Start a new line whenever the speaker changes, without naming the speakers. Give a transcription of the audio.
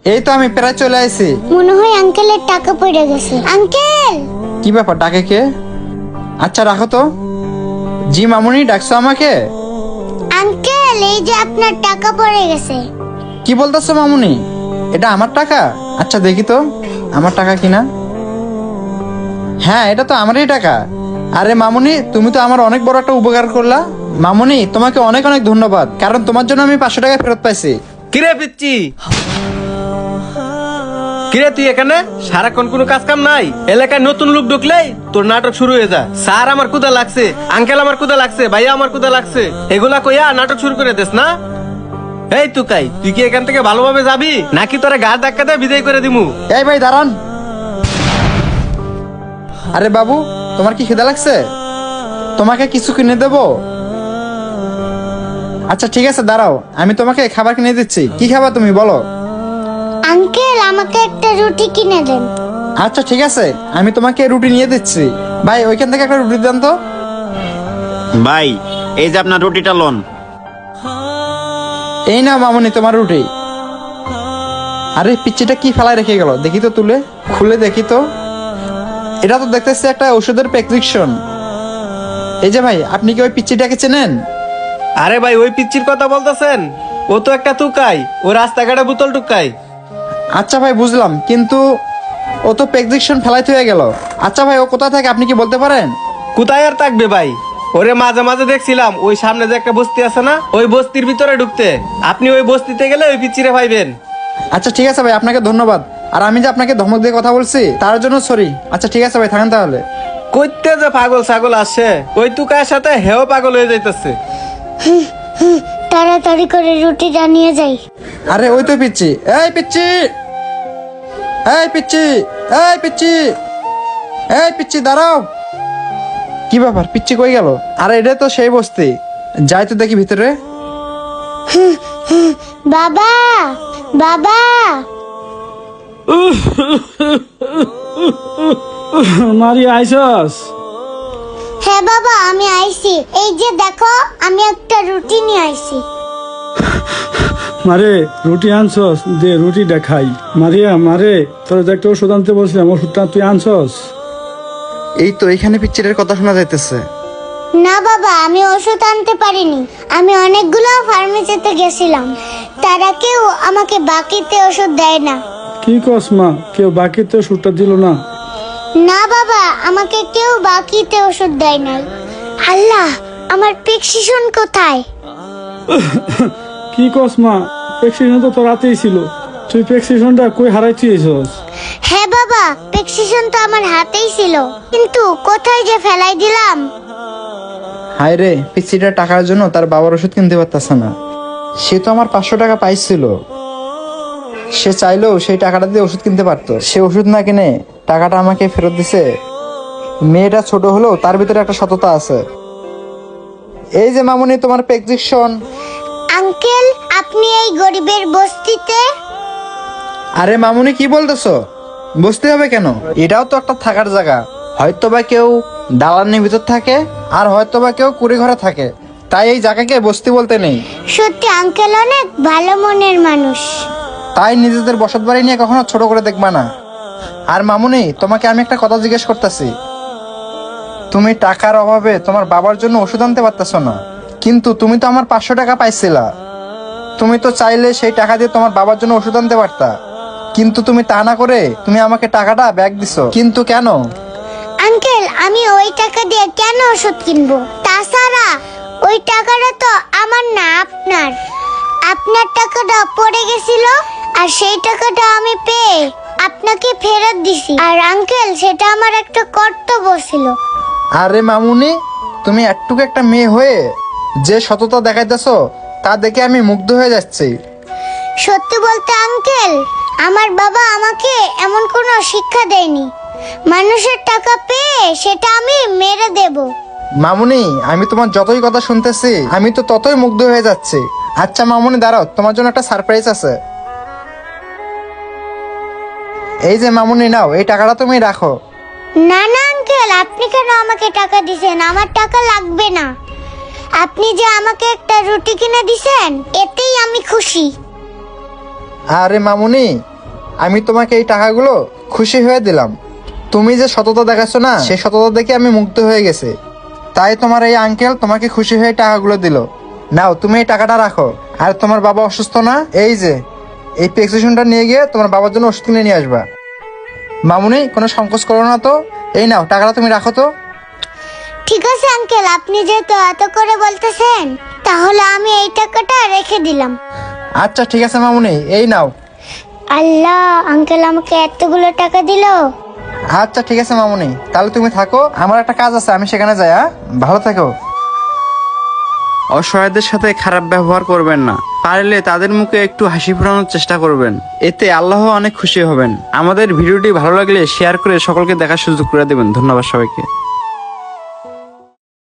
এই তো আমি প্রায় চলে আসি।
মনে হয় আঙ্কেলের টাকা পড়ে গেছে। আঙ্কেল!
কি ব্যাপার, ডাকে কে? আচ্ছা রাখো তো। জি মামুনি, ডাকছো আমাকে?
আঙ্কেল, এই যে আপনার টাকা পড়ে গেছে।
কি বলতেছো মামুনি? এটা আমার টাকা? আচ্ছা দেখি তো আমার টাকা কিনা। হ্যাঁ, এটা তো আমারই টাকা। আরে মামুনি, তুমি তো আমার অনেক বড় একটা উপকার করলা। মামুনি, তোমাকে অনেক অনেক ধন্যবাদ, কারণ তোমার জন্য আমি 500 টাকা ফেরত পাইছি।
কিরে পিচ্ছি, কিরে তুই এখানে সারাক্ষণ কোনো কাজ কাম নাই? এলাকায় নতুন লোক ঢুকলেই তোর নাটক শুরু হয়ে যায়। স্যার আমার কুদা লাগছে, আঙ্কেল আমার কুদা লাগছে, ভাইয়া আমার কুদা লাগছে, এগুলা কইয়া নাটক শুরু করে দিস না। এই তুকাই, তুই কি এখান থেকে ভালোভাবে যাবি নাকি তোরা গা ধাক্কা দিয়ে বিদায় করে দিমু?
এই ভাই দাঁড়ান। আরে বাবু, তোমার কি খিদা লাগছে? তোমাকে কিছু কিনে দেবো? আচ্ছা ঠিক আছে, দাঁড়াও, আমি তোমাকে খাবার কিনে দিচ্ছি। কি খাবার তুমি বলো?
আঙ্কেল, আমাকে একটা রুটি কিনে দেন।
আচ্ছা ঠিক আছে, আমি তোমাকে রুটি নিয়ে দিচ্ছি। ভাই, ওইখান থেকে একটা রুটি দেন তো।
ভাই, এই যে আপনার রুটিটা লোন।
এই না মামুনি, তোমার রুটি। আরে পিচ্চিটা কি ফেলায় রেখে গেল, দেখি তো, তুলে খুলে দেখি তো। এটা তো দেখতেছি একটা ওষুধের প্রেসক্রিপশন। এই যে ভাই, আপনি কি ওই পিচ্চিটাকে চেনেন?
আরে ভাই, ওই পিচ্চির কথা বলতেছেন? ও তো একটা তুকাই, ও রাস্তাঘাটে বোতল টুকাই।
আচ্ছা ভাই, বুঝলাম, কিন্তু ও তো প্রেসক্রিপশন ফেলাইতে হয়ে গেল। আচ্ছা ভাই, ও কোথায় থাকে আপনি কি বলতে পারেন?
কোথায় আর থাকবে ভাই? ওরে মাঝে মাঝে দেখছিলাম ওই সামনে যে একটা বস্তি আছে না, ওই বস্তির ভিতরে ঢুকতে। আপনি ওই বস্তিতে গেলে ওই পিচ্চিরে পাইবেন।
আচ্ছা ঠিক আছে ভাই, আপনাকে ধন্যবাদ। আর আমি যে আপনাকে ধমক দিয়ে কথা বলছি তার জন্য সরি। আচ্ছা ঠিক আছে ভাই, থাকেন তাহলে।
কইতে যে পাগল ছাগল আসে, ওই তুকার সাথে হেও পাগল হয়ে যাইতেছে।
তাড়াতাড়ি করে রুটিটা নিয়ে যাই।
আরে ওই তো পিচ্ছি। এই পিচ্ছি, এই পিচ্ছি, এই পিচ্ছি, এই পিচ্ছি দাঁড়াও। কি ব্যাপার, পিচ্ছি কই গেল? আরে এটা তো সেই বস্তি, যাই তো দেখি ভিতরে।
বাবা! বাবা!
মারি আইসস?
হ্যাঁ বাবা, আমি আইছি। এই যে দেখো, আমি একটা রুটি নিয়ে আইছি।
মারে, রুটি আনছস? দে রুটিটা খাই। মারিয়া, মারে, তোর যে একটা ওষুধ আনতে বলছিলাম, ওষুধটা তুই আনছস?
এই তো এখানে পিচ্চিরের কথা শোনা যাইতেছে।
না বাবা, আমি ওষুধ আনতে পারিনি। আমি অনেকগুলো ফার্মেসিতে গেছিলাম, তারা কেউ আমাকে বাকিতে ওষুধ দেয় না।
কি কস মা, কেউ বাকিতে ওষুধটা দিল না?
না বাবা, আমাকে কেউ বাকিতে ওষুধ দেয় নাই। আল্লাহ, আমার প্রেসক্রিপশন কোথায়?
কি কস মা, প্রেসক্রিপশন তো তোর রাতেই ছিল, তুই প্রেসক্রিপশনটা কই হারাইছিস?
হ্যাঁ বাবা, প্রেসক্রিপশন তো আমার হাতেই ছিল, কিন্তু কোথায় যে ফেলাই দিলাম।
হায় রে, পিচ্চিটা টাকার জন্য তার বাবার ওষুধ কিনতে পারতেছে না। সে তো আমার 500 টাকা পাইছিল। সে চাইলেও সেই টাকাটা দিয়ে ওষুধ কিনতে পারতো, সে ওষুধ না কিনে টাকাটা আমাকে ফেরত দিছে। মেয়েটা ছোট হলেও তার ভিতরে একটা সততা আছে। এই যে মামুনি, তোমার প্রেসক্রিপশন।
আঙ্কেল, আপনি এই গরিবের বস্তিতে?
আরে মামুনি, কি বলতেছো? বসতে হবে কেন? এটাও তো একটা থাকার জায়গা। হয়তো বা কেউ দালানের ভিতর থাকে, আর হয়তো বা কেউ কুড়ি ঘরে থাকে, তাই এই জায়গাকে বস্তি বলতে নেই।
সত্যি আঙ্কেল অনেক ভালো মনের মানুষ।
তাই নিজেদের বসত বাড়ি নিয়ে কখনো ছোট করে দেখবা না। আর মামুনি, তোমাকে আমি একটা কথা জিজ্ঞেস করতেছি। তুমি টাকার অভাবে তোমার বাবার জন্য ওষুধ আনতে পারতেছো না, কিন্তু তুমি তো আমার 500 টাকা পাইছিলা। তুমি তো চাইলে সেই টাকা দিয়ে তোমার বাবার জন্য ওষুধ আনতে পারতা, কিন্তু তুমি তা না করে তুমি আমাকে টাকাটা ব্যাগ দিছো। কিন্তু কেন?
আঙ্কেল, আমি ওই টাকা দিয়ে কেন ওষুধ কিনবো? তাছাড়া ওই টাকাটা তো আমার না, আপনার। আপনার টাকাটা পড়ে গেছিল, আর সেই টাকাটা আমি পেয়ে আপনাকে ফেরত দিছি। আর আঙ্কেল, সেটা আমার একটা কর্তব্য ছিল।
আরে মামুনি, তুমি একটুকু একটা মেয়ে হয়ে যে সততা দেখাইতেছো তা দেখে আমি মুগ্ধ হয়ে যাচ্ছি।
সত্যি বলতে আঙ্কেল, আমার বাবা আমাকে এমন কোনো শিক্ষা দেয়নি। মানুষের টাকা পেয়ে সেটা আমি মেরে দেব।
মামুনি, আমি তোমার যতই কথা শুনতেছি আমি তো ততই মুগ্ধ হয়ে যাচ্ছি। আচ্ছা মামুনি, দাঁড়াও, তোমার জন্য একটা সারপ্রাইজ আছে। এই যে মামুনি, নাও, এই টাকাটা তুমি রাখো।
না না আঙ্কেল, আপনি কেন আমাকে টাকা দিছেন? আমার টাকা লাগবে না। আপনি যে আমাকে একটা রুটি কিনে দিছেন, এতেই আমি খুশি।
আরে মামুনি, আমি তোমাকে এই টাকাগুলো খুশি হয়ে দিলাম। তুমি যে সততা দেখাচ্ছ না, সেই সততা দেখে আমি মুগ্ধ হয়ে গেছে। তাই তোমার এই আঙ্কেল তোমাকে খুশি হয়ে টাকাগুলো দিল। নাও, তুমি এই টাকাটা রাখো। আর তোমার বাবা অসুস্থ না, এই যে এই প্রেসক্রিপশনটা নিয়ে গিয়ে তোমার বাবার জন্য ওষুধ কিনে নিয়ে আসবা। মামুনি, কোনো সংকোচ করো না তো। এই নাও, টাকাটা তুমি রাখো তো।
ঠিক আছে আঙ্কেল, আপনি যেহেতু এত করে বলতেছেন, তাহলে আমি এই টাকাটা রেখে দিলাম।
আচ্ছা ঠিক আছে মামুনি, এই নাও।
আল্লাহ, আঙ্কেল আমাকে এতগুলো টাকা দিল।
আচ্ছা ঠিক আছে মামুনি, তাহলে তুমি থাকো, আমার একটা কাজ আছে, আমি সেখানে যাই। ভালো থাকো। অসহায়দের সাথে খারাপ ব্যবহার করবেন না, পারলে তাদের মুখে একটু হাসি ফোটানোর চেষ্টা করবেন, এতে আল্লাহ অনেক খুশি হবেন। আমাদের ভিডিওটি ভালো লাগলে শেয়ার করে সকলকে দেখার সুযোগ করে দেবেন। ধন্যবাদ সবাইকে।